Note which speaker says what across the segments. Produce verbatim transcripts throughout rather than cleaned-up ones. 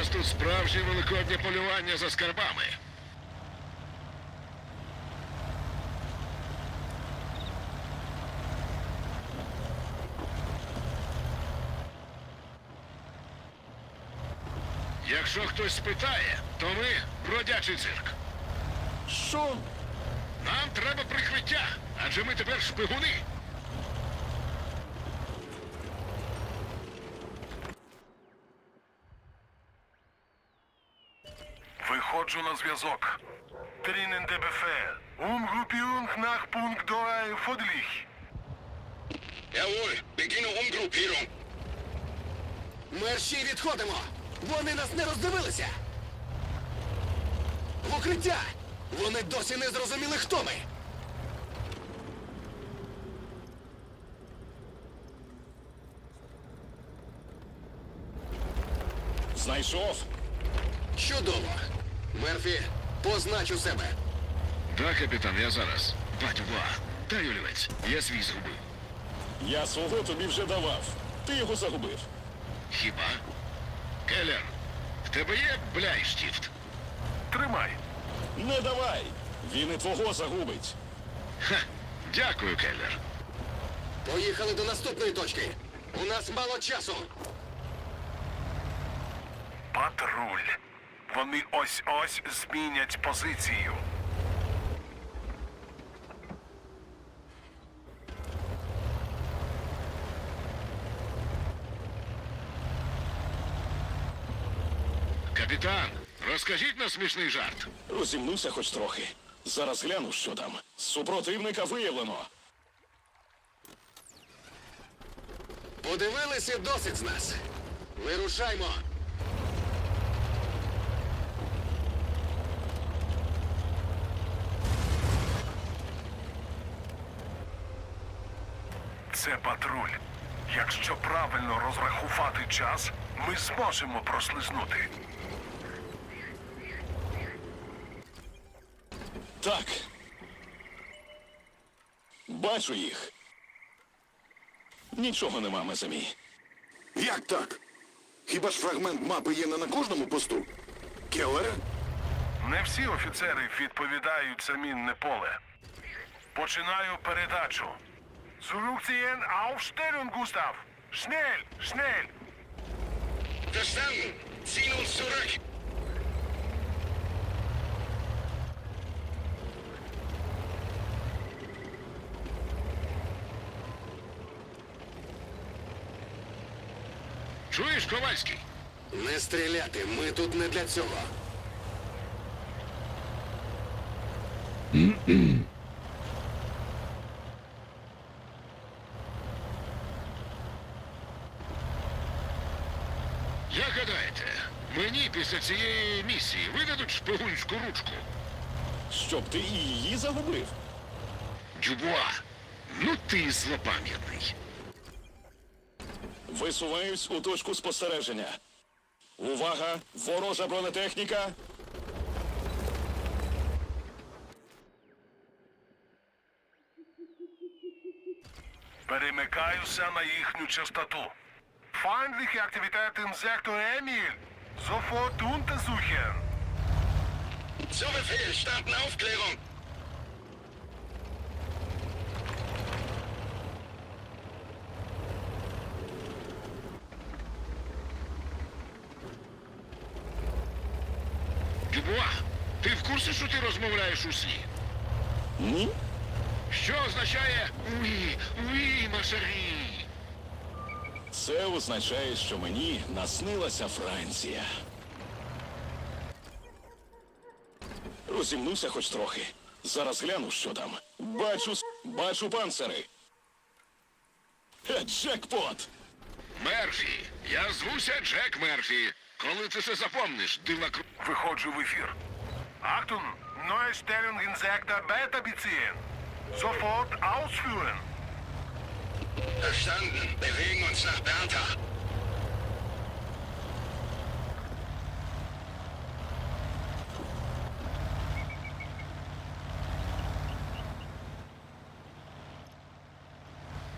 Speaker 1: нас тут справжнє великоднє полювання за скарбами. Якщо хтось спитає, то ми бродячий цирк.
Speaker 2: Що?
Speaker 1: Нам треба прикриття, адже ми тепер шпигуни.
Speaker 3: Виходжу на зв'язок. Drinnen der Befehl. Umgruppierung nach Punkt drei Fodlich.
Speaker 1: Jawohl, beginne Umgruppierung.
Speaker 2: Мерші, відходимо! Вони нас не роздивилися! В укриття! Вони досі не зрозуміли, хто ми!
Speaker 4: Знайшов?
Speaker 2: Чудово! Мерфі, познач у себе!
Speaker 1: Так, капітан, я зараз. Батюва, дай олівець, я свій згубив.
Speaker 4: Я свого тобі вже давав. Ти його загубив.
Speaker 1: Хіба? Келлер, в тебе є бляйштіфт?
Speaker 3: Тримай.
Speaker 4: Не давай. Він і твого загубить.
Speaker 1: Ха, дякую, Келлер.
Speaker 2: Поїхали до наступної точки! У нас мало часу!
Speaker 3: Патруль. Вони ось-ось змінять позицію.
Speaker 1: Капітан, розкажіть нам смішний жарт.
Speaker 4: Розімнуся хоч трохи. Зараз гляну, що там. Супротивника виявлено.
Speaker 2: Подивилися досить з нас! Вирушаймо!
Speaker 3: Це патруль. Якщо правильно розрахувати час, ми зможемо прослизнути.
Speaker 4: Так. Бачу їх. Нічого нема, Мезамі.
Speaker 5: Як так? Хіба ж фрагмент мапи є не на кожному посту? Келлере?
Speaker 3: Не всі офіцери відповідають за мінне поле. Починаю передачу. Zurückziehen, Aufstellung, Gustav! Schnell, schnell!
Speaker 1: Verstanden. Ziehen uns zurück. Чуєш, Ковальський?
Speaker 2: Не стріляти, ми тут не для цього.
Speaker 1: Як гадаєте, мені після цієї місії видадуть шпигунську ручку?
Speaker 4: Щоб ти і її загубив?
Speaker 1: Дюбуа, ну ти злопам'ятний.
Speaker 4: Висуваюсь у точку спостереження. Увага! Ворожа бронетехніка!
Speaker 3: Перемикаюся на їхню частоту. Feindliche Aktivität im Sektor Emil. Sofort untersuchen.
Speaker 1: Zu Befehl, starten Aufklärung. Дюбуа, ти в курсі, що ти розмовляєш у сні?
Speaker 4: Ні?
Speaker 1: Що означає «Уі, уі, машарі»?
Speaker 4: Це означає, що мені наснилася Франція. Розімнуся хоч трохи. Зараз гляну, що там. Бачу, с- бачу панцири. Е, Джекпот!
Speaker 1: Мерфі, я звуся Джек Мерфі. Коли ти це запомниш, дива кру...
Speaker 3: Виходжу в ефір. Achtung, neue Stellung in Sektor Beta beziehen. Sofort ausführen.
Speaker 1: Verstanden. Bewegen uns nach Bertha.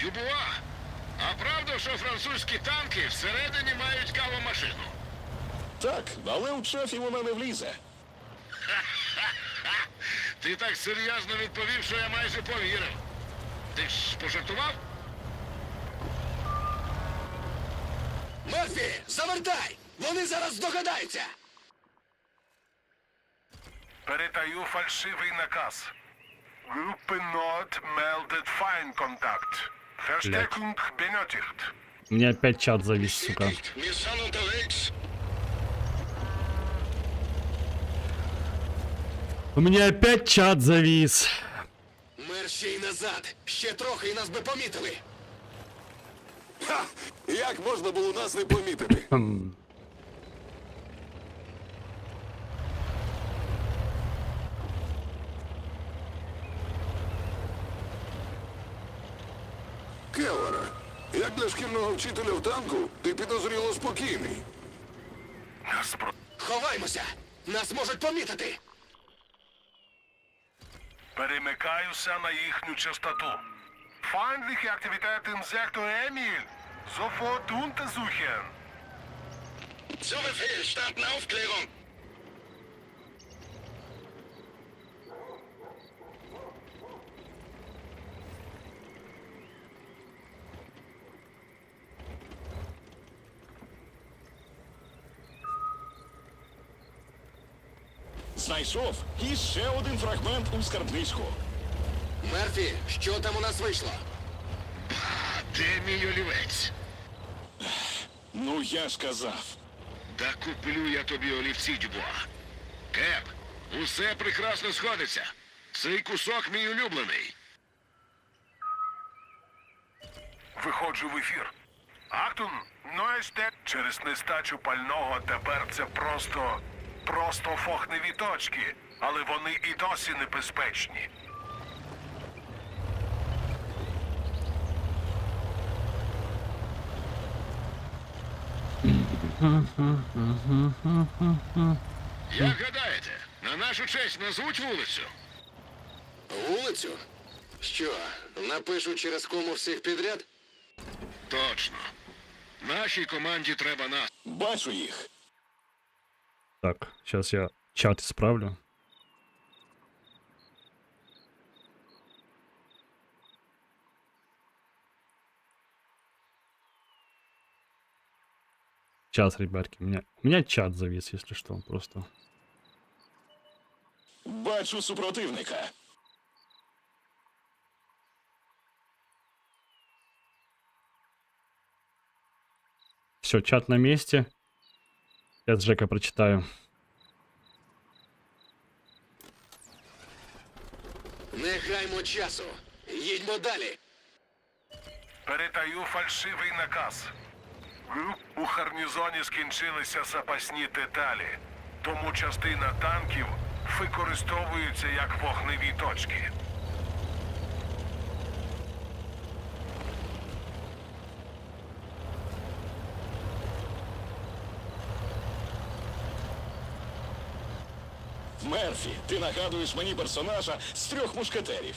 Speaker 1: Дюбуа, а правда, що французькі танки всередині мають кавомашину?
Speaker 4: Так, але у шефі вона не влізе.
Speaker 1: Ти так серйозно відповів, що я майже повірив. Ти ж пожартував?
Speaker 2: Мерфі, завертай! Вони зараз здогадаються!
Speaker 3: Передаю фальшивий наказ. Группе Nord meldet Feindkontakt. Verstärkung benötigt.
Speaker 6: У меня опять чат завис, сука.
Speaker 1: Wir sind unterwegs.
Speaker 6: У меня опять чат завис.
Speaker 2: Мер ще й назад! Ще трохи і нас би помітили!
Speaker 5: Ха! Як можна було нас не помітити?
Speaker 6: Хм.
Speaker 5: Келлере, як для шкільного вчителя в танку, ти підозріло спокійний.
Speaker 3: Нас про...
Speaker 2: Ховаймося! Нас можуть помітити!
Speaker 3: Перемикаюся на їхню частоту. Feindliche Aktivität im Sektor Emil. Sofort untersuchen.
Speaker 1: Zu Befehl, starten Aufklärung.
Speaker 4: Знайшов і ще один фрагмент у скарбничку.
Speaker 2: Мерфі, що там у нас вийшло?
Speaker 1: Де мій олівець?
Speaker 4: Ну я ж казав.
Speaker 1: Да куплю я тобі олівці, Дюбуа. Кеп, усе прекрасно сходиться. Цей кусок мій улюблений.
Speaker 3: Виходжу в ефір. Актун, Нойсте. Через нестачу пального тепер це просто... просто фохневі точки. Але вони і досі небезпечні.
Speaker 1: Як гадаєте, на нашу честь назвуть вулицю?
Speaker 2: Вулицю? Що, напишу через кому всіх підряд?
Speaker 1: Точно. Нашій команді треба нас.
Speaker 4: Бачу їх.
Speaker 6: Так, сейчас я чат исправлю. Сейчас, ребятки, у меня, у меня чат завис, если что, просто.
Speaker 4: Бачу супротивника.
Speaker 6: Все, чат на месте. Я с Жека прочитаю.
Speaker 2: Не гаймо часу. Їдьмо далі.
Speaker 3: Передаю фальшивий наказ. У гарнізоні скінчилися запасні деталі, тому частина танків використовується як вогневі точки.
Speaker 4: Мерфі, ти нагадуєш мені персонажа з трьох мушкетерів.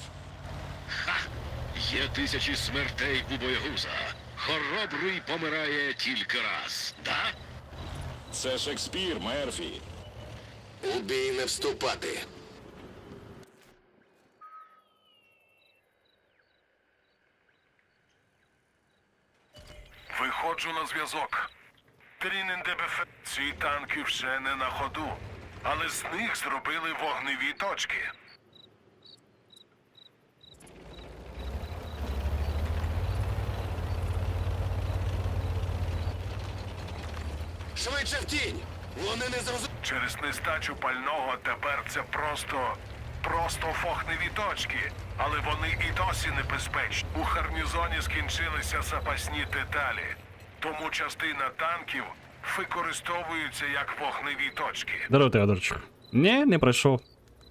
Speaker 1: Є тисячі смертей у боягуза. Хоробрий помирає тільки раз, да?
Speaker 4: Це Шекспір, Мерфі.
Speaker 2: У бій не вступати.
Speaker 3: Виходжу на зв'язок. Трінен ДБФ. Ці танки ще не на ходу, але з них зробили вогневі точки.
Speaker 2: Швидше в тінь! Вони не зрозуміли.
Speaker 3: Через нестачу пального тепер це просто... просто фохневі точки. Але вони і досі небезпечні. У гарнізоні скінчилися запасні деталі. Тому частина танків використовуються як вогневі точки.
Speaker 6: Здорово, Теодорчик. Не, не пройшов.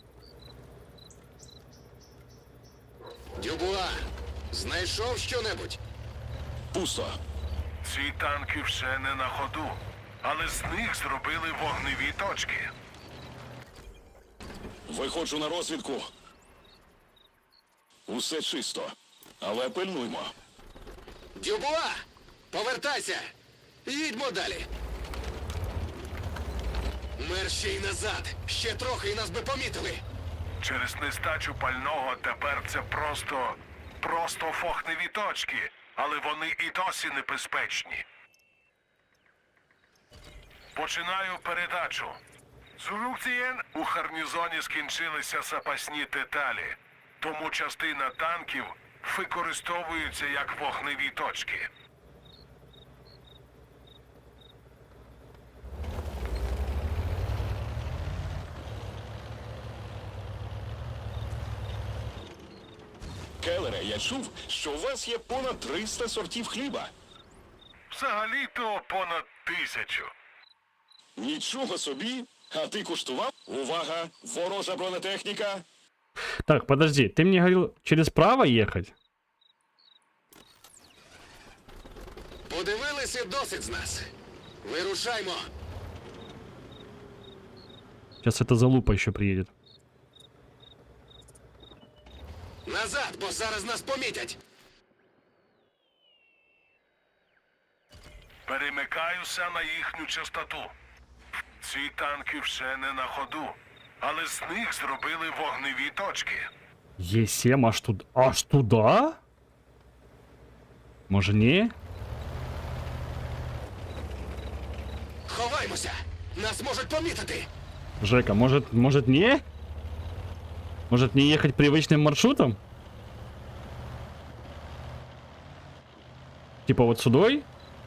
Speaker 2: Дюбуа, знайшов що-небудь?
Speaker 4: Пусто.
Speaker 3: Ці танки ще не на ходу, але з них зробили вогневі точки.
Speaker 4: Виходжу на розвідку. Усе чисто. Але пильнуймо.
Speaker 2: Дюбуа! Повертайся! Їдьмо далі! Мерщій назад! Ще трохи і нас би помітили!
Speaker 3: Через нестачу пального тепер це просто. просто фохневі точки, але вони і досі небезпечні. Починаю передачу. Зурукцієн, у гарнізоні скінчилися запасні деталі, тому частина танків використовуються як вогневі точки.
Speaker 4: Келлере, я чув, що у вас є понад триста сортів хліба.
Speaker 3: Взагалі-то понад тисячу.
Speaker 4: Нічого собі. А ти куштував? Увага! Ворожа бронетехніка!
Speaker 6: Так, подожди, ты мне говорил через право ехать?
Speaker 2: Подивилися досить з нас. Вирушаймо.
Speaker 6: Сейчас эта залупа еще приедет.
Speaker 2: Назад, бо зараз нас помітять.
Speaker 3: Перемикаюся на їхню частоту. Ці танки ще не на ходу, але з них зробили вогневі точки.
Speaker 6: Е семь аж туда? Аж туда? Может не?
Speaker 2: Ховаймося. Нас можуть помітити.
Speaker 6: Жека, может, может не? Может не ехать привычным маршрутом? Типа вот сюдой?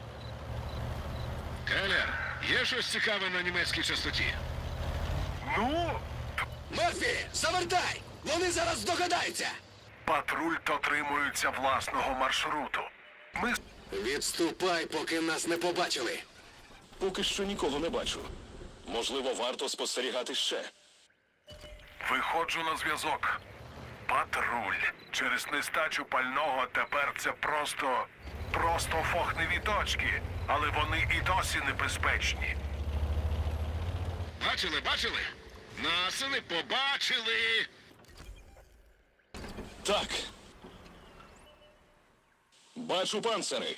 Speaker 1: Келлер, є щось цікаве на німецькій частоті?
Speaker 3: Ну,
Speaker 2: Мерфі, завертай! Вони зараз здогадаються.
Speaker 3: патруль дотримується власного маршруту. Ми
Speaker 2: Відступай, поки нас не побачили.
Speaker 4: Поки що нікого не бачу. Можливо, варто спостерігати ще.
Speaker 3: виходжу на зв'язок. Патруль. Через нестачу пального тепер це просто. просто фохневі точки, але вони і досі небезпечні.
Speaker 1: Бачили, бачили? Нас не побачили.
Speaker 4: Так. Бачу панцири.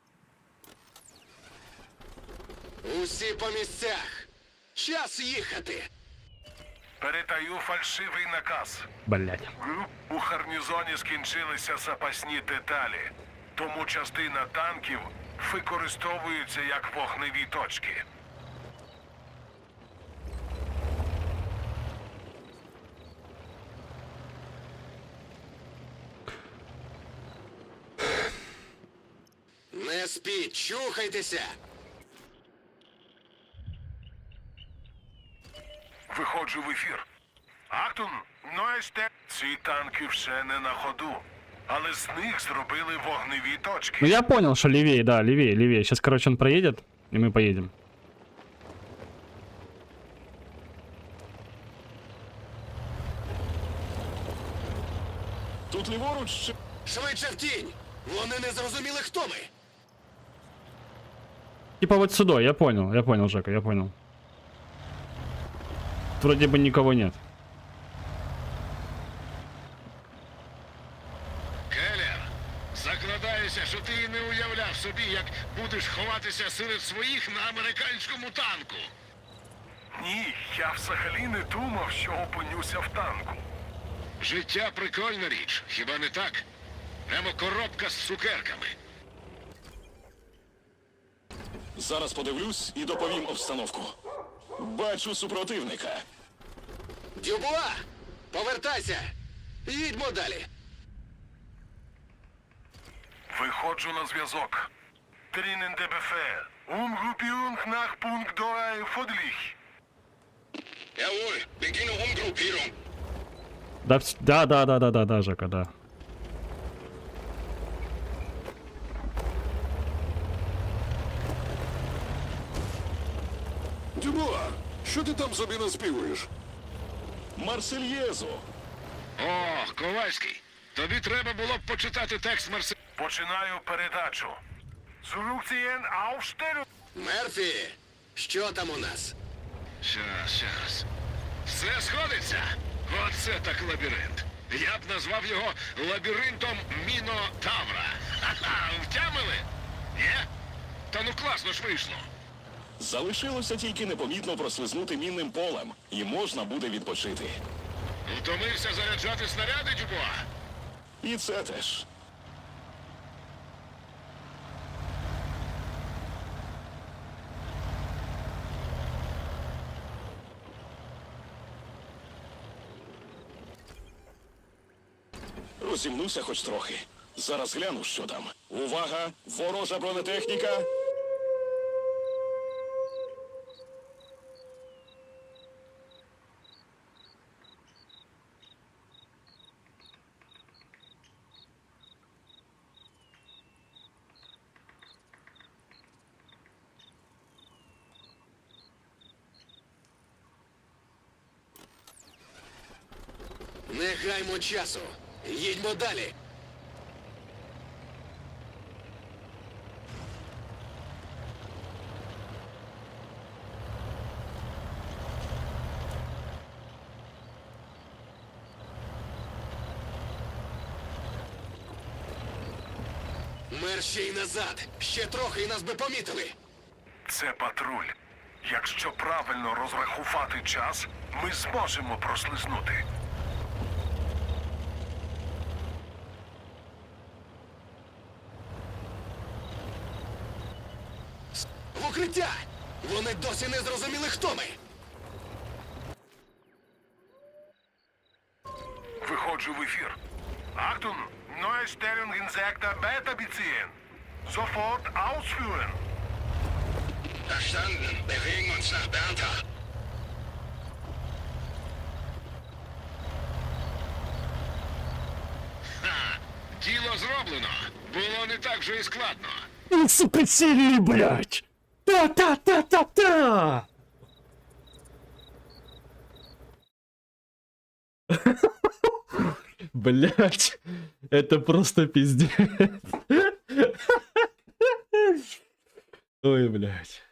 Speaker 2: Усі по місцях. Час їхати.
Speaker 3: Передаю фальшивий наказ.
Speaker 6: Блять.
Speaker 3: У гарнізоні скінчилися запасні деталі, тому частина танків використовується як вогневі точки.
Speaker 2: Не спіть, чухайтеся.
Speaker 3: Виходжу в ефір. Актун, Нойсте. Ці танки ще не на ходу, але з них зробили вогневі точки.
Speaker 6: Ну я понял, что левее, да, левее, левее. Сейчас, короче, он проедет, и мы поедем.
Speaker 4: Тут ліворуч чи...
Speaker 2: Швидше в тінь. Вони не зрозуміли, хто ми.
Speaker 6: Типа вот сюда, я понял, я понял, Жека, я понял. Вроде бы никого нет.
Speaker 1: Келлер, закладаюся, що ти і не уявляв собі, як будеш ховатися серед своїх на американському танку.
Speaker 3: Ні, я взагалі не думав, що опинюся в танку.
Speaker 1: Життя прикольна річ, хіба не так? Прямо коробка з цукерками.
Speaker 4: Зараз подивлюсь і доповім обстановку. Бачу супротивника.
Speaker 2: Дюбуа, повертайся. Їдьмо далі.
Speaker 3: Виходжу на зв'язок. Drinnen der Befehl. Umgruppierung nach Punkt drei Fodlich.
Speaker 2: Jawohl, beginne Umgruppierung.
Speaker 6: Да, вс- да, да, да, да, да, да, Жека, да.
Speaker 5: Дюбуа, що ти там собі наспівуєш?
Speaker 4: Марсельєзу.
Speaker 1: О, Ковальський, тобі треба було б почитати текст Марсель.
Speaker 3: Починаю передачу. Zurückziehen, Aufstellung.
Speaker 2: Мерфі, що там у нас?
Speaker 1: Щас, щас. Все сходиться. Оце так лабіринт. Я б назвав його лабіринтом Мінотавра. Ха-ха, втямили? Є? Та ну класно ж вийшло.
Speaker 4: Залишилося тільки непомітно прослизнути мінним полем, і можна буде відпочити.
Speaker 1: Втомився заряджати снаряди, Дюбуа?
Speaker 4: І це теж. Розімнуся хоч трохи. Зараз гляну, що там. Увага! Ворожа бронетехніка!
Speaker 2: Не гаймо часу. Їдьмо далі. Мерщій назад. Ще трохи і нас би помітили.
Speaker 3: Це патруль. Якщо правильно розрахувати час, ми зможемо прослизнути.
Speaker 2: В укриття! Вони досі не зрозуміли, хто ми.
Speaker 3: Виходжу в ефір. Achtung, neue Stellung in Sektor Beta beziehen. Sofort ausführen.
Speaker 1: Verstanden. Bewegen uns nach Bertha. Ха! Діло зроблено. Було не так же і складно.
Speaker 6: Ну, сука, серии, блядь! Та-та-та-та-та! Блядь, это просто пиздец. Ой, блядь.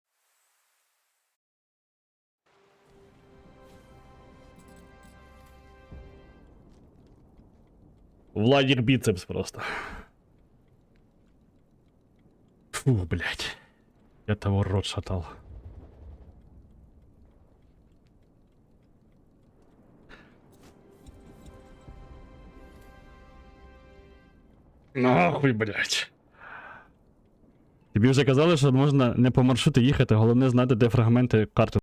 Speaker 6: Владик бицепс просто. Фу, блядь. Я того рот шатал. Нахуй, блядь. Тобі вже казали, що можна не по маршруту їхати, головне знати, де фрагменти карти.